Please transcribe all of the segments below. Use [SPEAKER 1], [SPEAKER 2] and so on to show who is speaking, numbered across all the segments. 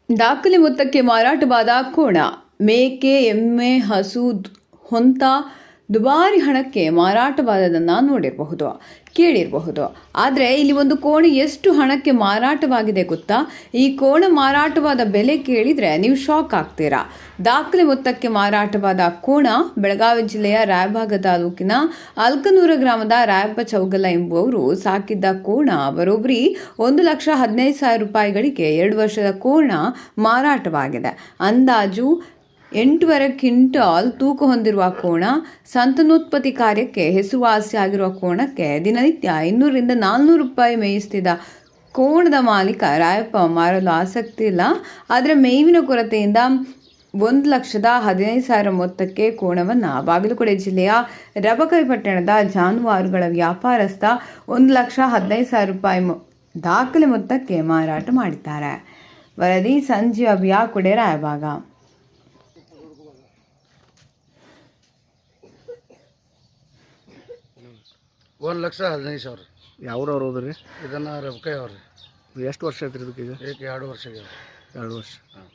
[SPEAKER 1] ದಾಖಲೆ ಮೊತ್ತಕ್ಕೆ ಮಾರಾಟವಾದ ಕೋಣ, ಮೇಕೆ, ಎಮ್ಮೆ, ಹಸು, ಹೊಂತ ದುಬಾರಿ ಹಣಕ್ಕೆ ಮಾರಾಟವಾದದನ್ನು ನೋಡಿರಬಹುದು, ಕೇಳಿರಬಹುದು. ಆದರೆ ಇಲ್ಲಿ ಒಂದು ಕೋಣ ಎಷ್ಟು ಹಣಕ್ಕೆ ಮಾರಾಟವಾಗಿದೆ ಗೊತ್ತಾ? ಈ ಕೋಣ ಮಾರಾಟವಾದ ಬೆಲೆ ಕೇಳಿದರೆ ನೀವು ಶಾಕ್ ಆಗ್ತೀರಾ. ದಾಖಲೆ ಮೊತ್ತಕ್ಕೆ ಮಾರಾಟವಾದ ಕೋಣ ಬೆಳಗಾವಿ ಜಿಲ್ಲೆಯ ರಾಯಬಾಗ ತಾಲೂಕಿನ ಅಲ್ಕನೂರ ಗ್ರಾಮದ ರಾಯಪ್ಪ ಚೌಗಲ ಎಂಬುವವರು ಸಾಕಿದ್ದ ಕೋಣ ಬರೋಬ್ಬರಿ 1,15,000 ರೂಪಾಯಿಗಳಿಗೆ 2 ವರ್ಷದ ಕೋಣ ಮಾರಾಟವಾಗಿದೆ. ಅಂದಾಜು 8.5 ಕ್ವಿಂಟಾಲ್ ತೂಕ ಹೊಂದಿರುವ ಕೋಣ. ಸಂತಾನೋತ್ಪತ್ತಿ ಕಾರ್ಯಕ್ಕೆ ಹೆಸರುವಾಸಿಯಾಗಿರುವ ಕೋಣಕ್ಕೆ ದಿನನಿತ್ಯ 200ರಿಂದ 400 ರೂಪಾಯಿ ಮೇಯಿಸ್ತಿದ್ದ ಕೋಣದ ಮಾಲೀಕ ರಾಯಪ್ಪ ಮಾರಲು ಆಸಕ್ತಿ ಇಲ್ಲ. ಆದರೆ ಮೇವಿನ ಕೊರತೆಯಿಂದ 1,15,000 ಮೊತ್ತಕ್ಕೆ ಕೋಣವನ್ನು ಬಾಗಲಕೋಟೆ ಜಿಲ್ಲೆಯ ರಬಕವಿ ಪಟ್ಟಣದ ಜಾನುವಾರುಗಳ ವ್ಯಾಪಾರಸ್ಥ 1,15,000 ರೂಪಾಯಿ ದಾಖಲೆ ಮೊತ್ತಕ್ಕೆ ಮಾರಾಟ ಮಾಡಿದ್ದಾರೆ. ವರದಿ ಸಂಜೀವ ಬಿಯಾಕುಡೆ, ರಾಯಬಾಗ.
[SPEAKER 2] 1,15,000.
[SPEAKER 3] ಯಾವ್ರವ್ರು ಹೋದ್ರಿ?
[SPEAKER 2] ಇದನ್ನು ರಬಕೈ ಅವ್ರಿ.
[SPEAKER 3] ಎಷ್ಟು ವರ್ಷ ಐತ್ರಿ ಇದಕ್ಕೆ? ಈಗ
[SPEAKER 2] 2 ವರ್ಷ ಆಗ್ಯಾವ.
[SPEAKER 3] 2 ವರ್ಷ.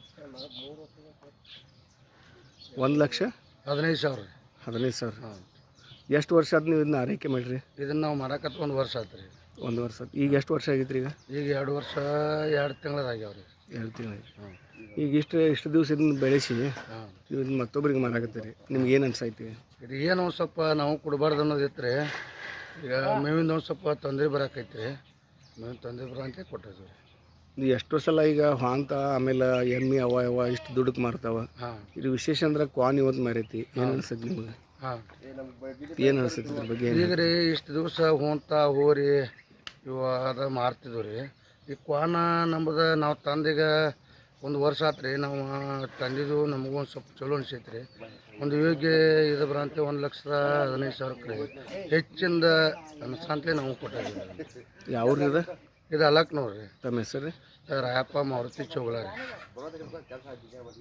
[SPEAKER 3] 1,15,000. 15,000. ಎಷ್ಟು ವರ್ಷ ಆದ್ ನೀವು ಇದನ್ನ ಆರೈಕೆ ಮಾಡಿರಿ?
[SPEAKER 2] ಇದನ್ನು ನಾವು ಮಾಡಕತ್ತ 1 ವರ್ಷ ಆಯ್ತು ರೀ.
[SPEAKER 3] 1 ವರ್ಷ. ಈಗ ಎಷ್ಟು ವರ್ಷ ಆಗೈತ್ರಿ? ಈಗ
[SPEAKER 2] 2 ವರ್ಷ 2 ತಿಂಗಳದಾಗ್ಯಾವ ರೀ.
[SPEAKER 3] 2 ತಿಂಗಳು. ಈಗ ಇಷ್ಟು ದಿವಸ ಇದನ್ನ ಬೆಳೆಸಿ ನೀವು ಇದನ್ನ ಮತ್ತೊಬ್ಬರಿಗೆ ಮಾರಾಕತ್ತೀರಿ, ನಿಮ್ಗೆ ಏನು ಅನ್ಸೈತಿ?
[SPEAKER 2] ಇದು ಏನೋ ಸ್ವಲ್ಪ ನಾವು ಕೊಡಬಾರ್ದು ಅನ್ನೋದು ಇತ್ತು ರೀ. ಈಗ ಮೇವಿಂದ ಒಂದು ಸ್ವಲ್ಪ ತೊಂದರೆ ಬರಾಕೈತಿ ರೀ. ಮೇವಿನ ತೊಂದರೆ ಬರೋಂತೆ ಕೊಟ್ಟಿದ್ವಿ ರೀ.
[SPEAKER 3] ಇದು ಎಷ್ಟೋ ಸಲ ಈಗ ಹಾಂತ ಆಮೇಲೆ ಎಮ್ಮೆ ಅವ ಇಷ್ಟು ದುಡ್ಡಕ್ಕೆ ಮಾರ್ತಾವ. ಇದು ವಿಶೇಷ ಅಂದ್ರೆ ಕ್ವಾನ್ ಇವತ್ತು ಮಾರೈತಿ. ಏನು ಅನ್ಸತ್ತೆ ನಿಮಗೆ? ಏನು ಅನ್ಸತ್ತೆ ಇದ್ರ ಬಗ್ಗೆ?
[SPEAKER 2] ಈಗ ರೀ ಇಷ್ಟು ದಿವಸ ಹೊಂತ ಹೋರಿ ಇವು ಅದ ಮಾರ್ತಿದ್ವು ರೀ. ಈ ಕ್ವಾನ ನಮ್ಮದು ನಾವು ತಂದೀಗ 1 ವರ್ಷ ಆತು ರೀ. ನಾವು ತಂದಿದ್ದು ನಮಗೂ ಒಂದು ಸ್ವಲ್ಪ ಚಲೋ ಅನಿಸೈತೆ ರೀ. ಒಂದು ಯೋಗ್ಯ ಇದು ಬರಂತೆ 1,15,000 ರೀ. ಹೆಚ್ಚಿಂದ ಅನ್ಸಂತಲೇ ನಾವು ಕೊಟ್ಟಿದ್ದೀವಿ.
[SPEAKER 3] ಯಾವ್ರಿ ಇದು?
[SPEAKER 2] ಇದು ಅಲಕ್ನವ್ರು ರೀ.
[SPEAKER 3] ತಮ್ಮ ಹೆಸರು?
[SPEAKER 2] ರಾಯಪ್ಪ ಮಾರುತಿ ಚೌಗಲ ರೀ.